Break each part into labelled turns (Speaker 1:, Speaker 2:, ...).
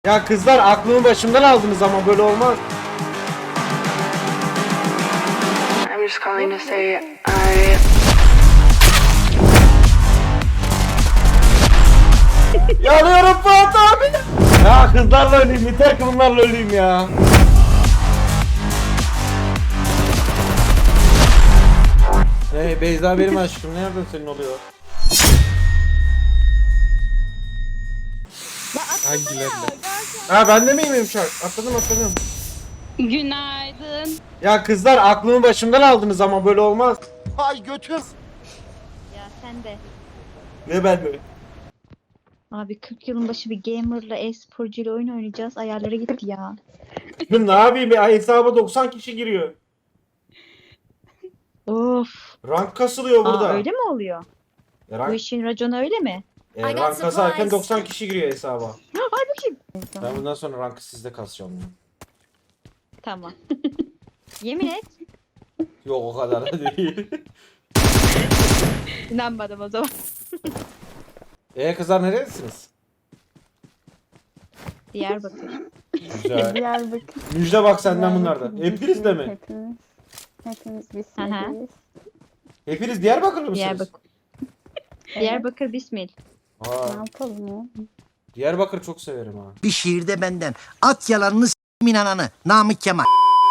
Speaker 1: Ya kızlar aklımı başımdan aldınız ama böyle olmaz.
Speaker 2: I'm just calling to say
Speaker 1: Yanıyorum Fuat abi. Ya kızlarla öleyim, yeter ki bunlarla öleyim ya. Hey Beyza benim aşkım, nereden senin oluyor? Hangilerine? Ha bende miyim yumuşak? Atladım.
Speaker 3: Günaydın.
Speaker 1: Ya kızlar aklımı başımdan aldınız ama böyle olmaz. Ay götüm.
Speaker 4: Ya sen de.
Speaker 1: Ne ben mi?
Speaker 4: Abi 40 yılın başı bir gamerla e-sporcuyla oyun oynayacağız. Ayarlara gitti ya.
Speaker 1: Ne yapayım ya, hesaba 90 kişi giriyor.
Speaker 4: Of.
Speaker 1: Rank kasılıyor burada.
Speaker 4: Aa, öyle mi oluyor?
Speaker 1: Ya
Speaker 4: Bu
Speaker 1: rank,
Speaker 4: işin raconu öyle mi?
Speaker 1: rank kasarken 90 kişi giriyor hesaba.
Speaker 4: Ay bakayım.
Speaker 1: Ben bundan sonra rankı sizde kasacağım ya.
Speaker 4: Tamam. Yemin et.
Speaker 1: Yok o kadar da değil.
Speaker 4: İnanmadım o zaman.
Speaker 1: Kızlar neredesiniz?
Speaker 4: Diyarbakır.
Speaker 1: Güzel.
Speaker 5: Diyarbakır.
Speaker 1: Müjde bak senden bunlarda. Hepiniz de mi?
Speaker 5: Hepimiz
Speaker 4: Hı hı.
Speaker 5: bismillah.
Speaker 1: Hepiniz Diyarbakırlı mısınız?
Speaker 4: Diyarbakır. Diyarbakır Bismil.
Speaker 5: Ne
Speaker 1: Aa,
Speaker 5: yapalım ya?
Speaker 1: Diyarbakır çok severim ha.
Speaker 6: Bir şiirde benden. At yalanını s**min ananı. Namık Kemal.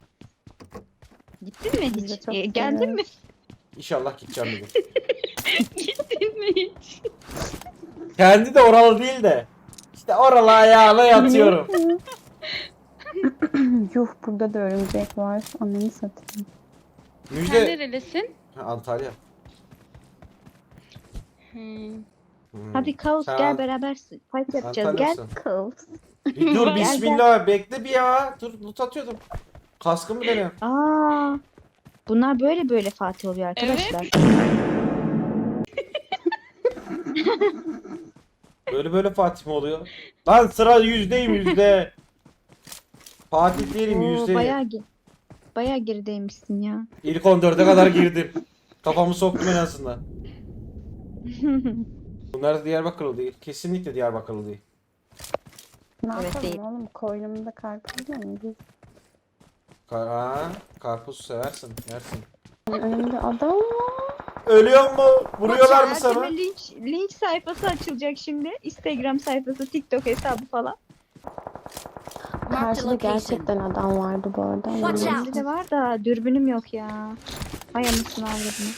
Speaker 4: Gittin mi
Speaker 5: Biz de
Speaker 4: hiç?
Speaker 5: çok
Speaker 4: Geldin mi?
Speaker 1: İnşallah gideceğim bir gün.
Speaker 4: Gittin mi hiç?
Speaker 1: Kendi de oralı değil de. İşte oralı ayağına yatıyorum.
Speaker 5: Yuh, burada da örümcek var. Ananı satayım.
Speaker 3: Sen
Speaker 1: Müjde.
Speaker 3: nerelisin?
Speaker 1: Ha, Antalya.
Speaker 3: Hmm.
Speaker 4: Hadi Kaos
Speaker 1: Sen
Speaker 4: gel beraber fight yapacağız. Gel.
Speaker 1: Antalya'sın.
Speaker 5: Kız.
Speaker 1: Bir dur
Speaker 4: Gel,
Speaker 1: bismillah bekle bir ya. Dur loot atıyordum. Kaskımı dene.
Speaker 4: Aa. Bunlar böyle Fatih oluyor arkadaşlar.
Speaker 1: Böyle Fatih mi oluyor? Lan sıra yüzdeyim yüzde. Fatih değilim
Speaker 4: Oo,
Speaker 1: yüzde.
Speaker 4: bayağı gerideymişsin ya.
Speaker 1: İlk 14'e kadar girdim. Kafamı soktum en azından. Bunlar da Diyarbakırlı değil. Kesinlikle Diyarbakırlı değil.
Speaker 5: Ne
Speaker 4: Evet,
Speaker 5: yapalım
Speaker 4: değil.
Speaker 5: oğlum? Koynumda karpuz yiyor muyuz?
Speaker 1: Karpuz seversin, yersin.
Speaker 5: Önümde adam var.
Speaker 1: Ölüyor mu? Vuruyorlar mı
Speaker 4: Ertem'e
Speaker 1: sana?
Speaker 4: linç sayfası açılacak şimdi. Instagram sayfası, TikTok hesabı falan.
Speaker 5: Karşıda gerçekten adam vardı bu arada.
Speaker 4: Bende de var da dürbünüm yok ya. Ay anasını avradını.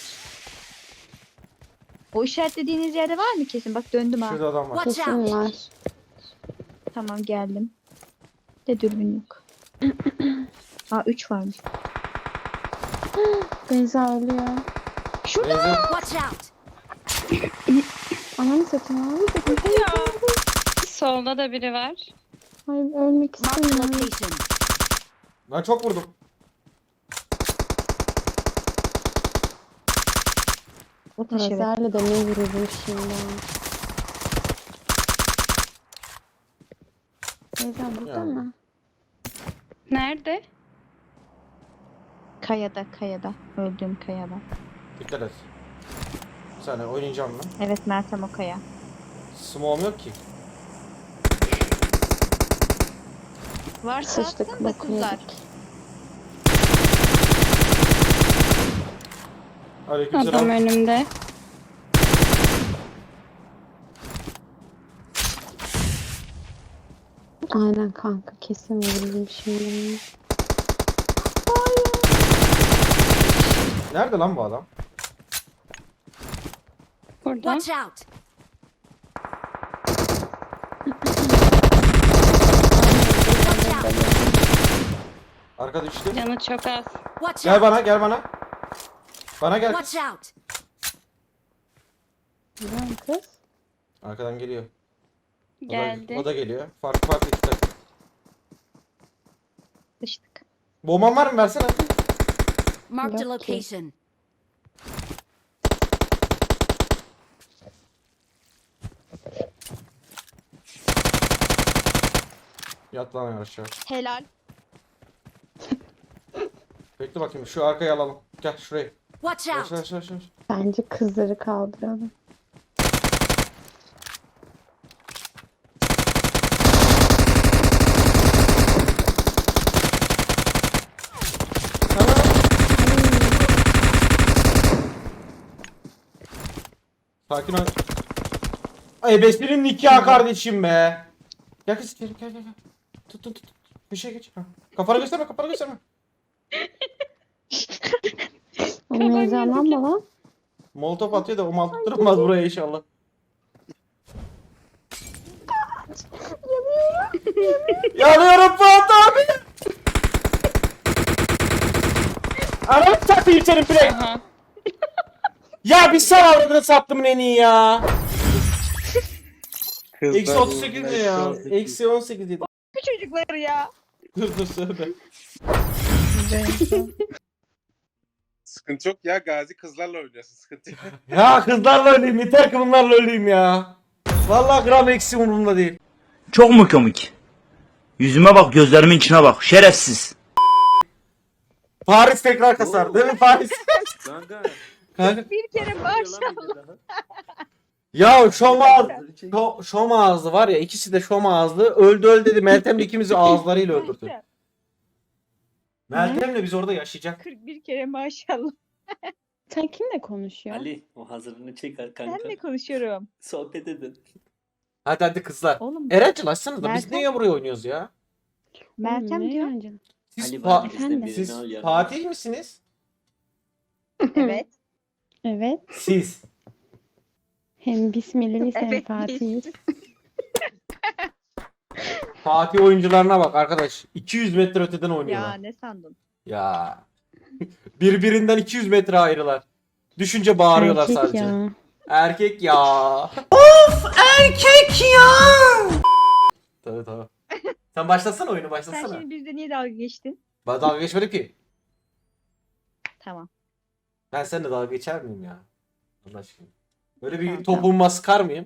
Speaker 4: O işaretlediğiniz yerde var mı kesin? Bak döndüm ha.
Speaker 1: Şurada adam var.
Speaker 5: Kesin var.
Speaker 4: Tamam geldim. De dürbün yok. Aa 3 varmış.
Speaker 5: Beyza ölüyor.
Speaker 4: Şurada.
Speaker 1: Benzin.
Speaker 5: Ananı satayım abi.
Speaker 3: Solda da biri var.
Speaker 5: Hayır, ölmek istemiyorum.
Speaker 1: Ben çok vurdum.
Speaker 4: Ateş evet.
Speaker 5: Lazerle de ne vururum şimdi. Beyza burada
Speaker 1: Ya.
Speaker 5: mı?
Speaker 3: Nerede?
Speaker 4: Kayada. Öldüğüm kayada.
Speaker 1: Dikkat et. Bir saniye oynayacağım lan.
Speaker 4: Evet Meltem o kaya.
Speaker 1: Smoke'um yok ki.
Speaker 4: Varsa
Speaker 5: Sıçtık
Speaker 4: atsın da kızlar.
Speaker 5: bakıyorduk.
Speaker 3: Adam
Speaker 1: Aleykümselam.
Speaker 3: önümde.
Speaker 5: Aynen kanka, kesin vururum şimdi.
Speaker 1: Nerede lan bu adam?
Speaker 3: Burada.
Speaker 7: out!
Speaker 1: Arkada düştü.
Speaker 3: Canı çok az.
Speaker 7: Watch
Speaker 1: Gel
Speaker 7: out!
Speaker 1: bana. Bana gel.
Speaker 7: Watch out!
Speaker 5: Biliyor musun kız?
Speaker 1: Arkadan geliyor.
Speaker 3: Geldi.
Speaker 1: O da geliyor. Farklı iki takım.
Speaker 4: Sıçtık.
Speaker 1: Bomban var mı? Versene.
Speaker 7: Marked a
Speaker 5: Yok ki.
Speaker 7: location.
Speaker 1: Yat lan aşağı.
Speaker 4: Helal.
Speaker 1: Bekle bakayım. Şu arkayı alalım. Gel şuraya.
Speaker 7: Watch out!
Speaker 1: Aşağı.
Speaker 5: Bence kızları kaldıralım.
Speaker 1: Sakin ol. Ay beslerin nikahı kardeşim be. Gel kız gel gel gel. Tut tut tut. Köşeye geç. Ha. Kafanı gösterme kafanı gösterme.
Speaker 5: Oğlum heyecanlanma lan.
Speaker 1: Molotof atıyor da o mal tutturmaz buraya inşallah. Yanıyorum Fuat abi. Anamı satayım senin play.
Speaker 3: Aha.
Speaker 1: Ya bir sal avradını sattım en iyi ya.
Speaker 8: Kızlar
Speaker 1: Eksi 38 ne ya?
Speaker 8: uğraşıyor.
Speaker 1: Eksi 18 yedi.
Speaker 4: Bu çocuklar ya.
Speaker 1: Dur söyle.
Speaker 8: Sıkıntı yok ya, Gazi kızlarla oynuyorsun, sıkıntı yok.
Speaker 1: Ya kızlarla öleyim yeter ki bunlarla öleyim ya. Vallahi gram eksi umurumda değil.
Speaker 9: Çok mu komik? Yüzüme bak, gözlerimin içine bak. Şerefsiz.
Speaker 1: Paris tekrar kasar değil mi Paris?
Speaker 8: Kanka.
Speaker 1: Kanka.
Speaker 4: Bir kere maşallah.
Speaker 1: Ya şom ağızlı var ya, ikisi de şom ağızlı. Öldü dedi. Meltem de ikimizi ağızlarıyla öldürdü. Meltem'le biz orada yaşayacak.
Speaker 4: 41 kere maşallah.
Speaker 5: Sen kimle konuşuyorsun?
Speaker 10: Ali o hazırını çeker
Speaker 4: Ben
Speaker 10: kanka.
Speaker 4: mi konuşuyorum?
Speaker 10: Sohbet edin.
Speaker 1: Hadi kızlar.
Speaker 4: Oğlum
Speaker 1: Erencil açsanız da biz
Speaker 4: Meltem-
Speaker 1: niye buraya oynuyoruz ya?
Speaker 4: Meltem
Speaker 5: ne
Speaker 4: diyor.
Speaker 5: yancı?
Speaker 1: Siz,
Speaker 10: Ali
Speaker 1: Fa-
Speaker 10: var bizde
Speaker 5: Efendim?
Speaker 10: birini
Speaker 1: siz
Speaker 10: al yanına.
Speaker 1: Fatih misiniz?
Speaker 4: Evet.
Speaker 5: Evet.
Speaker 1: Siz.
Speaker 5: Hem Bismillah'ı sen
Speaker 4: Evet,
Speaker 5: Fatih'iz.
Speaker 1: Fatih oyuncularına bak arkadaş. 200 metre öteden
Speaker 4: Ya
Speaker 1: oynuyorlar.
Speaker 4: ne sandın?
Speaker 1: Ya. Birbirinden 200 metre ayrılar. Düşünce bağırıyorlar
Speaker 5: Erkek
Speaker 1: sadece.
Speaker 5: ya.
Speaker 1: Erkek ya.
Speaker 6: Erkek ya.
Speaker 1: Tabii. Sen başlasana oyunu
Speaker 4: Sen
Speaker 1: başlasana.
Speaker 4: şimdi bizde niye dalga geçtin?
Speaker 1: Ben dalga geçmedim ki.
Speaker 4: Tamam.
Speaker 1: Ben seninle dalga geçer miyim ya? Allah aşkına. Böyle bir
Speaker 5: Tamam,
Speaker 1: topuğuma sıkar mıyım?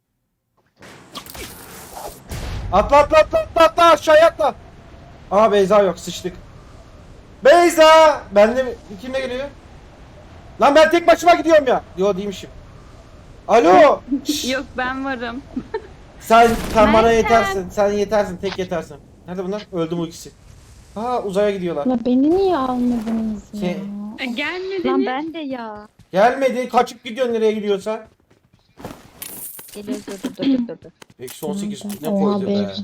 Speaker 1: Atla aşağıya atla. Aa Beyza yok sıçtık. Beyza! Benle mi? Kimle geliyor? Lan ben tek başıma gidiyorum ya. Yo değilmişim. Alo! Şşş!
Speaker 3: Yok ben varım.
Speaker 1: Sen bana
Speaker 3: Meltem.
Speaker 1: yetersin. Sen yetersin. Tek yetersin. Nerede bunlar? Öldü bu ikisi. Aa uzaya gidiyorlar.
Speaker 5: La beni niye almadınız ya?
Speaker 1: Şey-
Speaker 3: Gelmediniz.
Speaker 4: Lan ben de ya.
Speaker 1: Gelmedi. Kaçıp gidiyorsun nereye gidiyorsa.
Speaker 4: Geliyoruz dur.
Speaker 1: Eksi 18 ne
Speaker 5: Oha
Speaker 1: koydu be.
Speaker 5: be.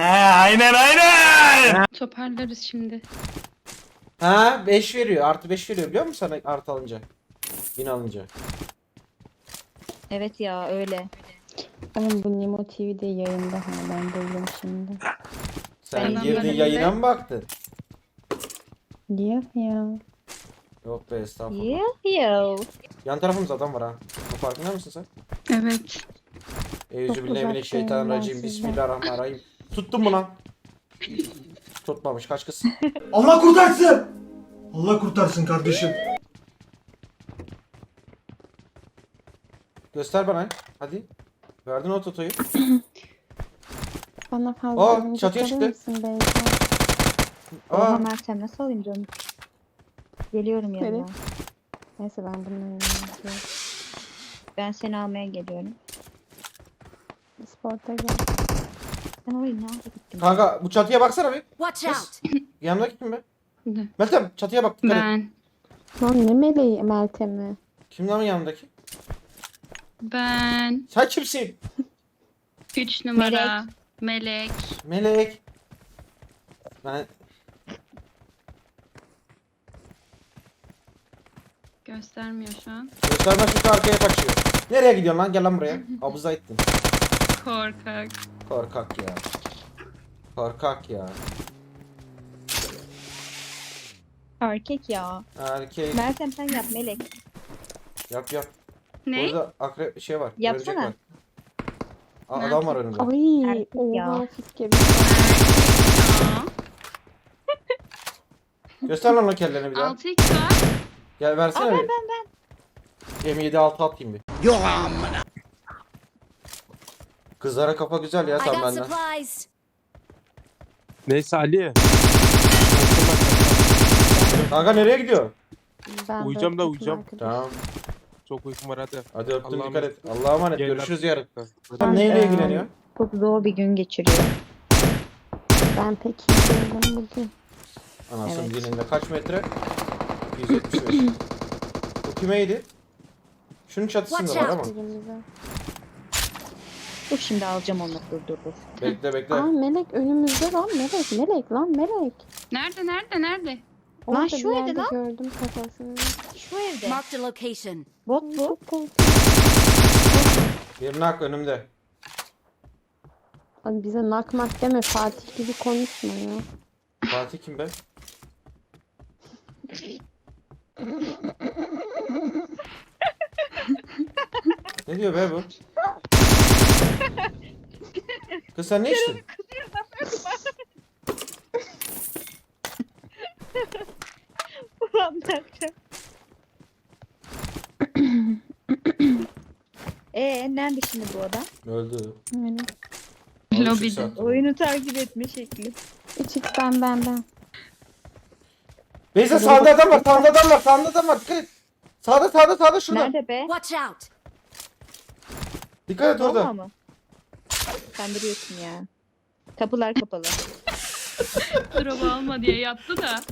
Speaker 9: Aynen.
Speaker 3: Toparlarız şimdi.
Speaker 1: Ha 5 veriyor. Artı 5 veriyor biliyor musun sana artı alınca? 1000 alınca.
Speaker 4: Evet ya öyle.
Speaker 5: Oğlum bu Nemo TV'de yayında ha ben duydum şimdi.
Speaker 1: Sen
Speaker 3: Ben
Speaker 1: girdin
Speaker 3: anlamadım
Speaker 1: yayına
Speaker 3: be.
Speaker 1: mı baktın?
Speaker 5: Yok ya.
Speaker 1: Yok be estağfurullah.
Speaker 4: Yo.
Speaker 1: Yan tarafımızda adam var ha. Bu farkında mısın sen?
Speaker 3: Evet.
Speaker 1: Euzubillahimineşşeytanirracim.
Speaker 5: ben
Speaker 1: Bismillahirrahmanirrahim. Tuttum mu lan? Tutmamış kaç kız.
Speaker 6: Allah kurtarsın. Allah kurtarsın kardeşim.
Speaker 1: Göster bana. Hadi. Verdin o totoyu.
Speaker 5: Bana fazla
Speaker 1: Aa,
Speaker 5: önce
Speaker 1: çatıya
Speaker 5: kalır
Speaker 1: çıktı.
Speaker 5: mısın Beyza?
Speaker 4: Oha
Speaker 1: Aa,
Speaker 4: Meltem nasıl alayım canım? Geliyorum yanına.
Speaker 5: Nereye? Neyse ben bunun önüne gidiyorum.
Speaker 4: Ben seni almaya geliyorum.
Speaker 5: Sporta gel.
Speaker 4: Ben orayı nerede gittim?
Speaker 1: kanka bu çatıya baksana bir.
Speaker 7: Watch
Speaker 1: Kız.
Speaker 7: out!
Speaker 1: Yanımdaki kim be?
Speaker 3: Ne?
Speaker 1: Meltem çatıya bak. Dikkat et.
Speaker 3: Ben.
Speaker 5: Lan ne meleği Meltem'i?
Speaker 1: Kim lan yanımdaki?
Speaker 3: Ben.
Speaker 1: Sen kimsin?
Speaker 3: 3 numara. Melek.
Speaker 1: Melek. Ben
Speaker 3: Göstermiyor şu an.
Speaker 1: gösterme şu arkaya kaçıyor. Nereye gidiyorsun lan? Gel lan buraya. Abuza ettin.
Speaker 3: Korkak.
Speaker 1: Korkak ya. Korkak ya.
Speaker 4: Erkek ya.
Speaker 1: Erkek.
Speaker 4: Meltem sen yap Melek.
Speaker 1: Yap.
Speaker 3: Ne?
Speaker 1: Burada akrep şey var.
Speaker 4: Yapsana.
Speaker 1: örümcek var. Adam var önümde.
Speaker 5: Ay
Speaker 4: Erkek ya.
Speaker 5: oha fiske bir.
Speaker 3: Aa,
Speaker 1: Göster lan o kelleni bir daha.
Speaker 3: 6x var.
Speaker 1: Gel versene
Speaker 4: Aa,
Speaker 1: bir. M7 6 atayım bir.
Speaker 6: Yok amına.
Speaker 1: Kızlara kafa güzel ya
Speaker 7: I
Speaker 1: sen
Speaker 7: got
Speaker 1: benden.
Speaker 7: supplies!
Speaker 8: Neyse Ali.
Speaker 1: Kanka nereye gidiyor?
Speaker 5: Ben
Speaker 8: Uyuyacağım da
Speaker 5: dört
Speaker 8: uyuyacağım.
Speaker 5: arkadaş.
Speaker 1: Tamam.
Speaker 8: Çok uykum var hadi.
Speaker 1: Hadi öptüm
Speaker 8: Allah'a
Speaker 1: dikkat et. Allah'a emanet.
Speaker 8: Gel
Speaker 1: Görüşürüz
Speaker 8: lan.
Speaker 1: yarın.
Speaker 8: Hadi.
Speaker 1: Sen neyle ilgileniyor?
Speaker 4: Çok zor bir gün geçiriyor.
Speaker 5: Ben pek iyi değilim bugün.
Speaker 1: Anasının
Speaker 4: Evet.
Speaker 1: dilinde kaç metre? 175. Bu kimeydi? Şunun çatısında
Speaker 7: Watch
Speaker 1: var
Speaker 7: out.
Speaker 1: ama.
Speaker 5: Birimize.
Speaker 4: Dur şimdi alacağım onu. Dur.
Speaker 1: Bekle bekle.
Speaker 5: Aa Melek önümüzde lan Melek. Melek lan Melek.
Speaker 3: Nerede?
Speaker 5: Orada
Speaker 4: şu
Speaker 5: bir
Speaker 4: evde
Speaker 5: yerde
Speaker 4: lan.
Speaker 5: gördüm kafasını.
Speaker 4: Şu evde.
Speaker 7: Marked a location.
Speaker 4: Bot bu.
Speaker 5: Çok korktum.
Speaker 1: Bir nak önümde.
Speaker 5: Abi bize nakmak deme Fatih gibi konuşma ya.
Speaker 1: Fatih kim be? Ne diyor be bu? Kız sen ne içtin?
Speaker 4: Nerede şimdi bu adam?
Speaker 1: Öldü.
Speaker 5: Melek.
Speaker 3: Lobide.
Speaker 4: Oyunu takip etme şekli.
Speaker 5: Çık ben.
Speaker 1: Beyza sağda adam var, sağda adam var. Dikkat et. Sağda şurada.
Speaker 4: Nerede be?
Speaker 7: Watch out.
Speaker 1: Dikkat et
Speaker 4: Bomba
Speaker 1: orada.
Speaker 4: mı? Kandırıyorsun ya. Kapılar kapalı.
Speaker 3: Drop alma diye yattı da.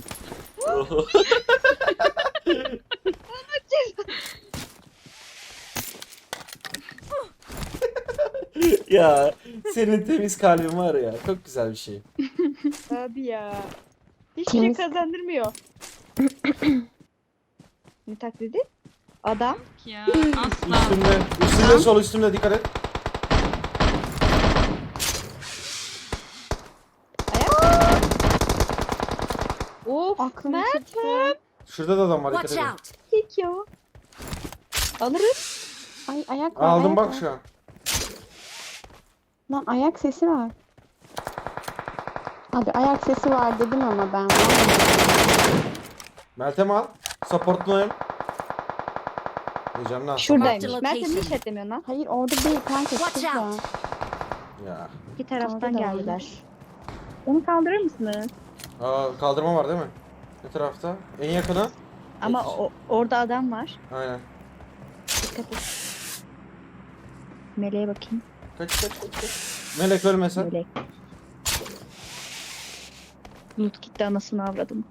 Speaker 1: Ya senin temiz kalbin var ya. Çok güzel bir şey.
Speaker 4: Abi ya. Hiç
Speaker 5: Temiz-
Speaker 4: kazandırmıyor. Ne taklidi? Adam.
Speaker 3: Ya asla.
Speaker 1: Üstünde sol üstünde dikkat et.
Speaker 4: Of.
Speaker 5: Aklım
Speaker 4: Mert.
Speaker 5: çıktı.
Speaker 1: Şurada da adam var dikkat
Speaker 7: Watch
Speaker 1: edin.
Speaker 7: out.
Speaker 4: Hiç ya. Alırız.
Speaker 5: Ay ayak var.
Speaker 1: Aldım
Speaker 5: ayak
Speaker 1: bak
Speaker 5: var.
Speaker 1: şu an.
Speaker 5: Lan ayak sesi var. Abi ayak sesi var dedim ama ben.
Speaker 1: Meltem al. Support'unu oyun. Diyeceğim lan.
Speaker 4: Şuradaymış.
Speaker 7: Marked
Speaker 4: Mert
Speaker 7: location.
Speaker 4: ne işletlemiyorsun lan?
Speaker 5: Hayır orada değil kanka.
Speaker 7: Watch
Speaker 5: şurada.
Speaker 7: out.
Speaker 1: Ya.
Speaker 4: İki taraftan
Speaker 5: Orada da
Speaker 4: geldiler.
Speaker 5: var.
Speaker 4: Onu kaldırır mısınız?
Speaker 1: Kaldırma var değil mi? Ne tarafta? En yakını.
Speaker 4: Ama orada adam var.
Speaker 1: Aynen.
Speaker 4: Dikkat et. Meleğe bakayım.
Speaker 1: Kaç. Melek ölmesen.
Speaker 4: Melek. Loot gitti anasını avradım.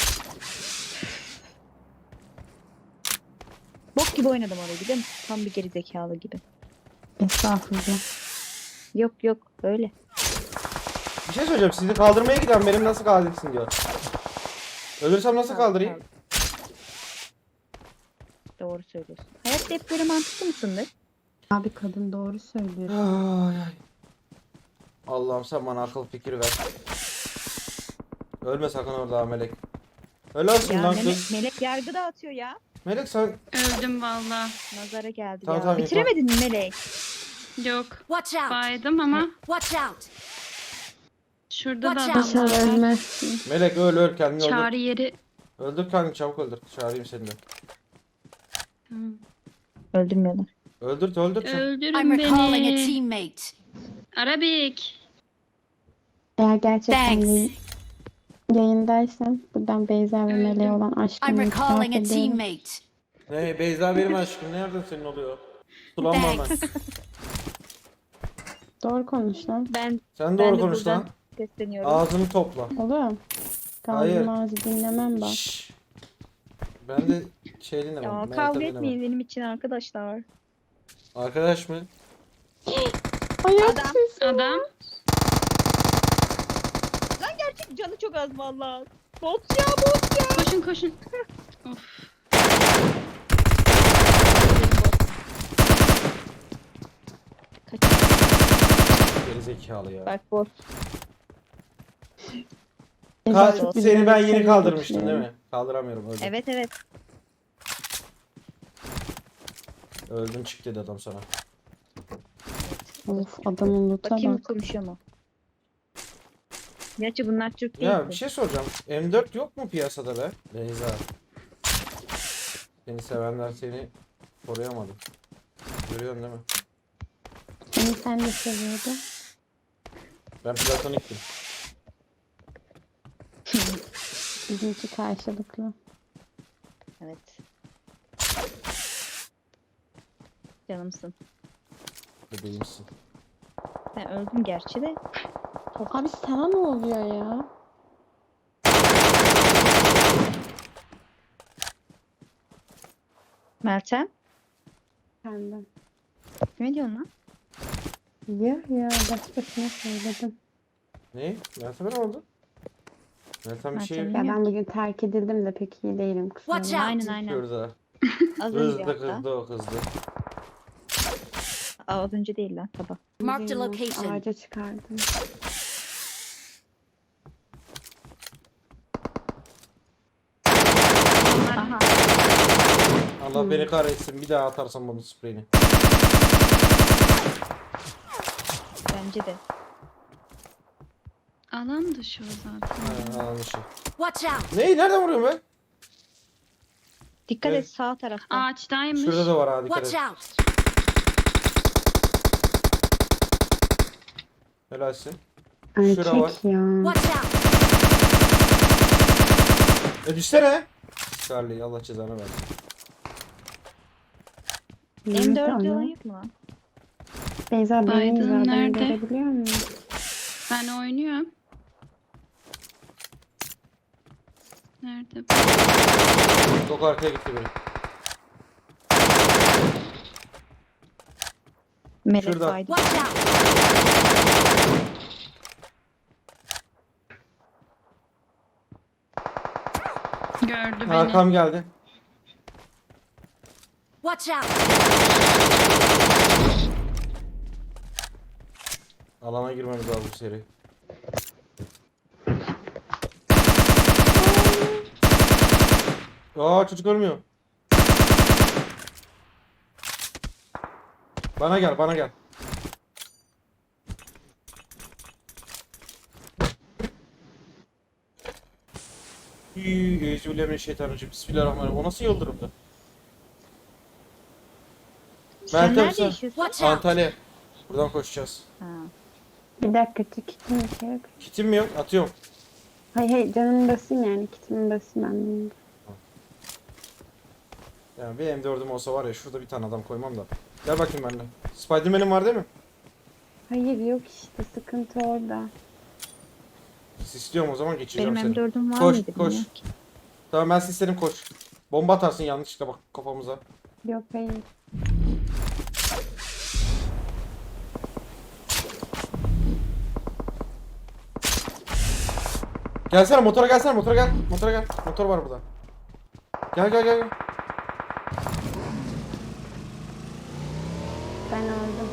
Speaker 4: Bok gibi oynadım orayı biliyor musun? Tam bir geri zekalı gibi.
Speaker 5: Estağfurullah.
Speaker 4: Yok öyle.
Speaker 1: Bir şey söyleyeceğim. Sizi kaldırmaya giden benim nasıl kaldırırsın diyor. Ölürsem nasıl kaldırayım?
Speaker 4: Doğru söylüyorsun. Hayatta hep böyle mantıklı mısındır?
Speaker 5: Abi kadın doğru söylüyor.
Speaker 1: Ay. Allah'ım sen bana akıl fikir ver. Ölme sakın orada Melek. Ölersin
Speaker 4: Ya
Speaker 1: lan kız.
Speaker 4: Melek yargı dağıtıyor ya.
Speaker 1: Melek sen
Speaker 3: Öldüm valla.
Speaker 4: Nazara geldi
Speaker 1: Tamam,
Speaker 4: ya.
Speaker 1: tamam,
Speaker 4: Bitiremedin mi Melek?
Speaker 3: Yok.
Speaker 7: Watch out.
Speaker 3: Baydım ama
Speaker 7: Watch out.
Speaker 3: şurada da
Speaker 7: Watch
Speaker 3: adam
Speaker 7: out.
Speaker 5: İnşallah
Speaker 3: var.
Speaker 5: ölmezsin.
Speaker 1: Melek öl kendini öldür.
Speaker 3: Çağrı yeri.
Speaker 1: Öldür kendini çabuk öldür. Çağırayım seni de.
Speaker 3: Tamam.
Speaker 4: Öldürmüyorlar.
Speaker 1: Öldür çabuk.
Speaker 7: I'm
Speaker 3: Öldürün
Speaker 7: recalling a
Speaker 3: beni.
Speaker 7: teammate.
Speaker 3: Arabik.
Speaker 5: Eğer gerçekten
Speaker 7: Thanks.
Speaker 5: yayındaysan buradan Beyza ve
Speaker 3: Öldüm.
Speaker 5: Melek'e olan
Speaker 7: I'm
Speaker 5: aşkımı itiraf
Speaker 7: recalling a
Speaker 5: ediyorum.
Speaker 7: teammate.
Speaker 1: Ne Beyza benim aşkım. Nereden senin oluyor? Sulanma hemen.
Speaker 7: Thanks.
Speaker 5: Doğru konuş lan.
Speaker 4: Ben
Speaker 1: Sen
Speaker 4: Ben
Speaker 1: doğru
Speaker 4: de
Speaker 1: konuş
Speaker 4: buradan
Speaker 1: lan.
Speaker 4: sesleniyorum.
Speaker 1: Ağzını topla.
Speaker 5: Oğlum.
Speaker 1: Hayır.
Speaker 5: Kalbim ağzı dinlemem bak.
Speaker 1: Şşş. Ben de şey dinlemem.
Speaker 4: Ya
Speaker 1: Meltem
Speaker 4: kavga
Speaker 1: dinlemem.
Speaker 4: etmeyin benim için arkadaşlar.
Speaker 1: Arkadaş mı?
Speaker 5: Ayak
Speaker 4: Adam.
Speaker 5: sesi.
Speaker 3: Adam.
Speaker 4: Lan gerçek canı çok az vallahi. Bot ya bot ya.
Speaker 3: Koşun. Of.
Speaker 4: Kaç.
Speaker 1: Geri zekalı ya.
Speaker 4: Bak bot.
Speaker 5: Beyza çok güzel
Speaker 1: Seni ben
Speaker 5: bir
Speaker 1: yeni
Speaker 5: şey
Speaker 1: kaldırmıştım değil
Speaker 5: bekliyorum.
Speaker 1: mi? Kaldıramıyorum öldüm.
Speaker 4: Evet.
Speaker 1: Öldün çık dedi adam sana.
Speaker 5: Of adamın loot'a
Speaker 4: Bakayım
Speaker 5: bak.
Speaker 4: konuşuyor mu? Gerçi bunlar Türk değil.
Speaker 1: Ya bir şey soracağım. M4 yok mu piyasada be? Beyza. Seni sevenler seni koruyamadı. Görüyorsun değil mi?
Speaker 5: Seni sen de seviyordun.
Speaker 1: Ben platoniktim.
Speaker 5: Bizimki karşılıklı.
Speaker 4: Evet. Canımsın.
Speaker 1: Bebeğimsin.
Speaker 4: Ben öldüm gerçi de.
Speaker 5: Abi sana ne oluyor ya?
Speaker 4: Meltem.
Speaker 5: Kendim.
Speaker 4: Ne diyorsun lan?
Speaker 5: Ya başkasına söyledim.
Speaker 1: Ne? Meltem'e ne oldu? Meltem bir şey
Speaker 4: Meltem-
Speaker 5: Ya ben bugün terk edildim de pek iyi değilim. kusura
Speaker 7: Watch
Speaker 5: bakma.
Speaker 7: out.
Speaker 4: Aynen aynen.
Speaker 1: yapıyoruz ha.
Speaker 4: Az önce
Speaker 1: Kızdı
Speaker 4: hatta.
Speaker 1: kızdı o kızdı.
Speaker 4: Az önce değil lan sabah.
Speaker 7: Marked a
Speaker 5: Bugün
Speaker 7: location.
Speaker 5: Ağaca çıkardım.
Speaker 4: Aha.
Speaker 1: Allah beni kahretsin bir daha atarsam bunu spreyini.
Speaker 4: Bence de.
Speaker 3: Alan dışı o zaten.
Speaker 1: Ha, almışım.
Speaker 7: Watch out.
Speaker 1: Neyi nereden vuruyorum ben?
Speaker 4: Dikkat
Speaker 1: Evet.
Speaker 4: et sağ tarafta.
Speaker 3: Ağaçtaymış.
Speaker 1: Şurada da var ha dikkat
Speaker 7: Watch
Speaker 1: et.
Speaker 7: out.
Speaker 1: Helalsin.
Speaker 5: Erkek
Speaker 1: Şura var.
Speaker 5: ya.
Speaker 7: Watch out.
Speaker 1: Düşsene. Charlie Allah cezanı versin.
Speaker 5: Nerede
Speaker 4: M4'lü
Speaker 5: ama?
Speaker 4: oyun mu lan?
Speaker 5: Beyza benim
Speaker 3: Biden
Speaker 5: zaten
Speaker 3: nerede?
Speaker 5: görebiliyor musun?
Speaker 3: Ben oynuyorum. Nerede?
Speaker 1: Çok arkaya gitti biri.
Speaker 4: Melek
Speaker 1: Şurada.
Speaker 4: Biden.
Speaker 7: Watch out.
Speaker 3: Gördü beni.
Speaker 1: Hakan geldi.
Speaker 7: Watch out.
Speaker 1: Alana girmemiz lazım bu seri. Aa çocuk ölmüyor. Bana gel bana gel. Euzubillahimineşşeytanirracim. Bismillahirrahmanirrahim. O nasıl yıldırımdı?
Speaker 4: Sen
Speaker 1: Meltem
Speaker 4: nerede
Speaker 1: sen.
Speaker 4: yaşıyorsun?
Speaker 7: Watch out.
Speaker 1: Antalya. Buradan koşacağız.
Speaker 4: Ha.
Speaker 5: Bir dakika kitim bir şey yok.
Speaker 1: Kitim mi yok? Atıyorum.
Speaker 5: Hayır canımı basayım yani kitimi basayım ben de.
Speaker 1: Yani bir M4'üm olsa var ya şurada bir tane adam koymam da. Gel bakayım benimle. Spiderman'in var değil mi?
Speaker 5: Hayır yok işte sıkıntı orada.
Speaker 1: İstiyorum o zaman geçeceğim
Speaker 4: Benim
Speaker 1: seni.
Speaker 4: M4'üm var
Speaker 1: Koş,
Speaker 4: mıydı
Speaker 1: koş.
Speaker 4: bilmiyorum ki.
Speaker 1: Tamam ben isterim koş. Bomba atarsın yanlışlıkla bak kafamıza.
Speaker 5: Yok hayır.
Speaker 1: Gelsene motora gelsene motora gel. Motora gel. Motor var burada. Gel gel gel. Gel.
Speaker 5: Ben aldım.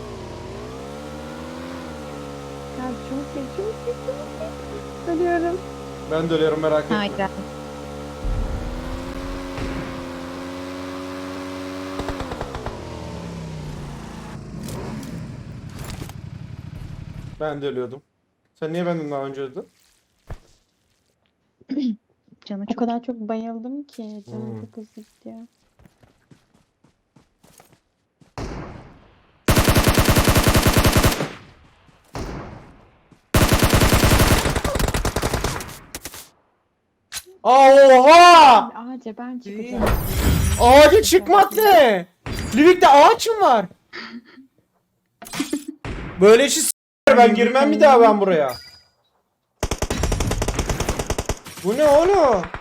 Speaker 5: Ya çabuk gel çabuk gel çabuk gel. Ölüyorum.
Speaker 1: Ben de ölüyorum merak etme.
Speaker 4: Hayır.
Speaker 1: Ben de ölüyordum. Sen niye benden daha önce öldün?
Speaker 4: Canı
Speaker 5: O
Speaker 4: çok.
Speaker 5: kadar çok bayıldım ki canım
Speaker 1: Hmm.
Speaker 5: çok hızlı gidiyor.
Speaker 1: Oha!
Speaker 5: Ağaca ben çıkacağım.
Speaker 1: Ağaca çıkmak ne? Livik'te ağaç mı var? Böyle işi s***ler ben girmem bir daha ben buraya. Bu ne oğlum?